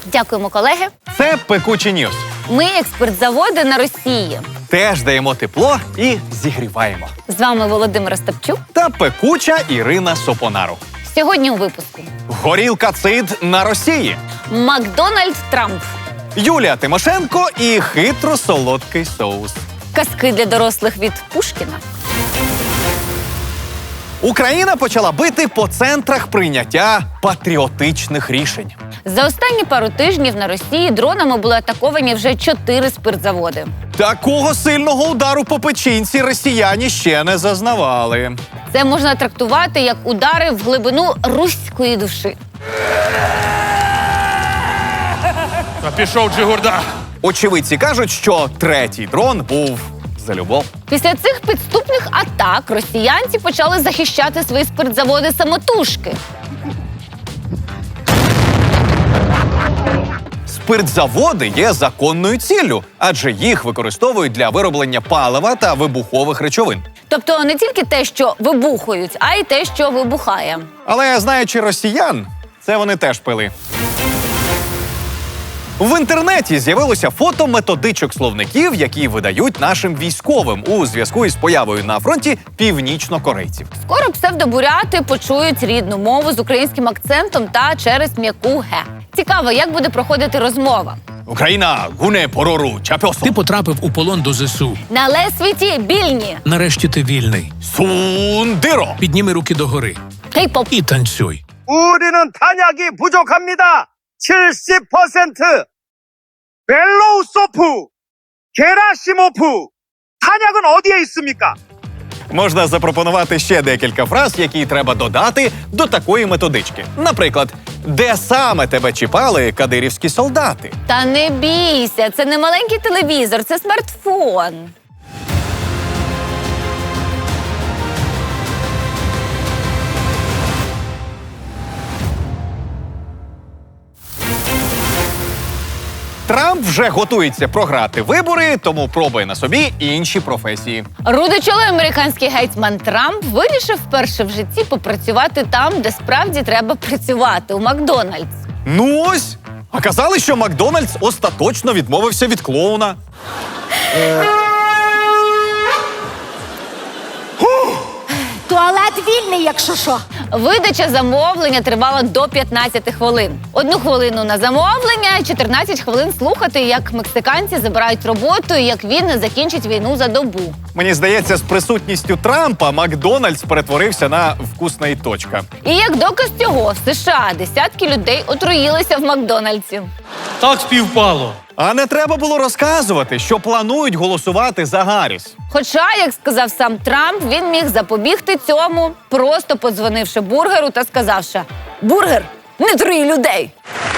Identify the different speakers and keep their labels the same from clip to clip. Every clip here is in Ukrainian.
Speaker 1: Дякуємо, колеги.
Speaker 2: Це «Пекучі Ньюс».
Speaker 1: Ми експертзаводи на Росії.
Speaker 2: Теж даємо тепло і зігріваємо.
Speaker 1: З вами Володимир Остапчук.
Speaker 2: Та пекуча Ірина Сопонару.
Speaker 1: Сьогодні у випуску.
Speaker 2: Горілка цид на Росії.
Speaker 1: Макдональд Трамп.
Speaker 2: Юлія Тимошенко і хитро-солодкий соус.
Speaker 1: Казки для дорослих від Пушкіна.
Speaker 2: Україна почала бити по центрах прийняття патріотичних рішень.
Speaker 1: За останні пару тижнів на Росії дронами були атаковані вже 4 спиртзаводи.
Speaker 2: Такого сильного удару по печінці росіяни ще не зазнавали.
Speaker 1: Це можна трактувати як удари в глибину руської душі.
Speaker 3: А пішов Джигурда.
Speaker 2: Очевидці кажуть, що третій дрон був за любов.
Speaker 1: Після цих підступних атак росіянці почали захищати свої спиртзаводи самотужки.
Speaker 2: Спиртзаводи є законною ціллю, адже їх використовують для вироблення палива та вибухових речовин.
Speaker 1: Тобто не тільки те, що вибухують, а й те, що вибухає.
Speaker 2: Але, знаючи росіян, це вони теж пили. В інтернеті з'явилося фото методичок словників, які видають нашим військовим у зв'язку із появою на фронті північнокорейців.
Speaker 1: Скоро псевдобуряти почують рідну мову з українським акцентом та через м'яку «ге». Цікаво, як буде проходити розмова.
Speaker 2: Україна гуне порору чапьосо.
Speaker 3: Ти потрапив у полон до ЗСУ.
Speaker 1: На лесвіті більні.
Speaker 3: Нарешті ти вільний.
Speaker 2: Сундиро.
Speaker 3: Підніми руки догори
Speaker 1: Кей-поп.
Speaker 3: і танцюй.
Speaker 4: 우리는 탄약이 부족합니다. 70%. 벨로우소프, 게라시모프. 탄약은 어디에 있습니까?
Speaker 2: Можна запропонувати ще декілька фраз, які треба додати до такої методички. Наприклад, де саме тебе чіпали кадирівські солдати?
Speaker 1: Та не бійся, це не маленький телевізор, це смартфон.
Speaker 2: Трамп вже готується програти вибори, тому пробує на собі інші професії.
Speaker 1: Рудичолий американський гетьман Трамп вирішив вперше в житті попрацювати там, де справді треба працювати – у Макдональдс.
Speaker 2: Ну ось! А казали, що Макдональдс остаточно відмовився від клоуна.
Speaker 5: Туалет вільний, якщо що.
Speaker 1: Видача замовлення тривала до 15 хвилин. 1 хвилину на замовлення, 14 хвилин слухати, як мексиканці забирають роботу і як він не закінчить війну за добу.
Speaker 2: Мені здається, з присутністю Трампа Макдональдс перетворився на вкусна і точка.
Speaker 1: І як доказ цього, в США десятки людей отруїлися в Макдональдсі.
Speaker 6: Так співпало.
Speaker 2: А не треба було розказувати, що планують голосувати за Гарріс.
Speaker 1: Хоча, як сказав сам Трамп, він міг запобігти цьому, просто подзвонивши бургеру та сказавши: «Бургер, не труї людей!»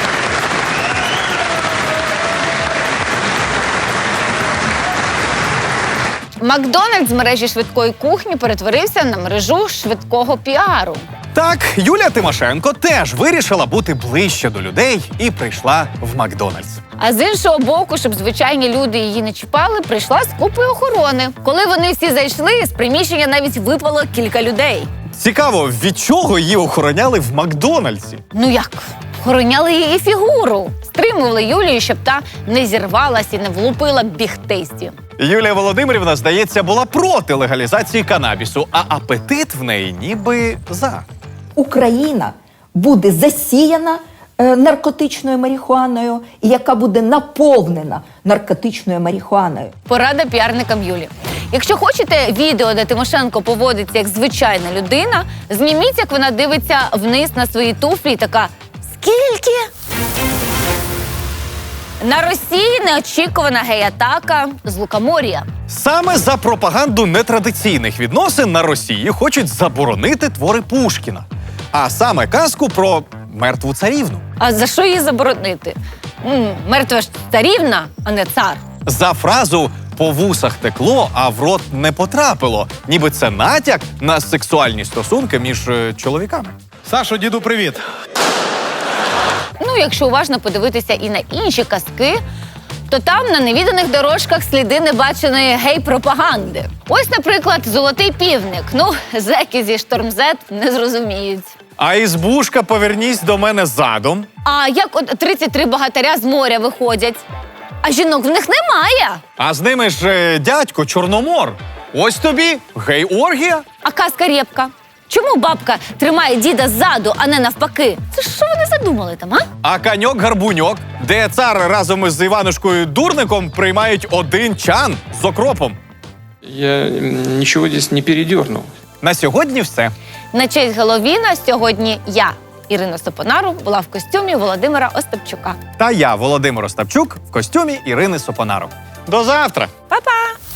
Speaker 1: Макдональдс з мережі швидкої кухні перетворився на мережу швидкого піару.
Speaker 2: Так, Юлія Тимошенко теж вирішила бути ближче до людей і прийшла в Макдональдс.
Speaker 1: А з іншого боку, щоб звичайні люди її не чіпали, прийшла з купою охорони. Коли вони всі зайшли, з приміщення навіть випало кілька людей.
Speaker 2: Цікаво, від чого її охороняли в Макдональдсі?
Speaker 1: Ну як? Охороняли її фігуру. Стримували Юлію, щоб та не зірвалась і не влупила бігтейсті.
Speaker 2: Юлія Володимирівна, здається, була проти легалізації канабісу, а апетит в неї ніби за.
Speaker 5: Україна буде засіяна наркотичною марихуаною, і яка буде наповнена наркотичною марихуаною.
Speaker 1: Порада піарникам Юлі. Якщо хочете відео, де Тимошенко поводиться як звичайна людина, зніміть, як вона дивиться вниз на свої туфлі і така: «Скільки?» На Росії неочікувана гей-атака з Лукомор'я.
Speaker 2: Саме за пропаганду нетрадиційних відносин на Росії хочуть заборонити твори Пушкіна. А саме казку про мертву царівну.
Speaker 1: А за що її заборонити? Мертва ж царівна, а не цар.
Speaker 2: За фразу «по вусах текло, а в рот не потрапило». Ніби це натяк на сексуальні стосунки між чоловіками.
Speaker 6: Сашо, діду, привіт.
Speaker 1: Ну, якщо уважно подивитися і на інші казки, то там на невіданих дорожках сліди небаченої гей-пропаганди. Ось, наприклад, золотий півник. Ну, зеки зі Штормзет не зрозуміють.
Speaker 2: А ізбушка «Повернісь до мене задом».
Speaker 1: А як от 33 богатиря з моря виходять? А жінок в них немає.
Speaker 2: А з ними ж дядько Чорномор. Ось тобі гей-оргія.
Speaker 1: А казка Рєпка? Чому бабка тримає діда ззаду, а не навпаки? Це що вони задумали там, а?
Speaker 2: А каньок-гарбуньок, де цар разом із Іванушкою Дурником приймають один чан з окропом.
Speaker 7: Я ничего здесь не передернул.
Speaker 2: На сьогодні все.
Speaker 1: На честь Геловіна сьогодні я, Ірина Сопонару, була в костюмі Володимира Остапчука.
Speaker 2: Та я, Володимир Остапчук, в костюмі Ірини Сопонаро. До завтра!
Speaker 1: Па-па!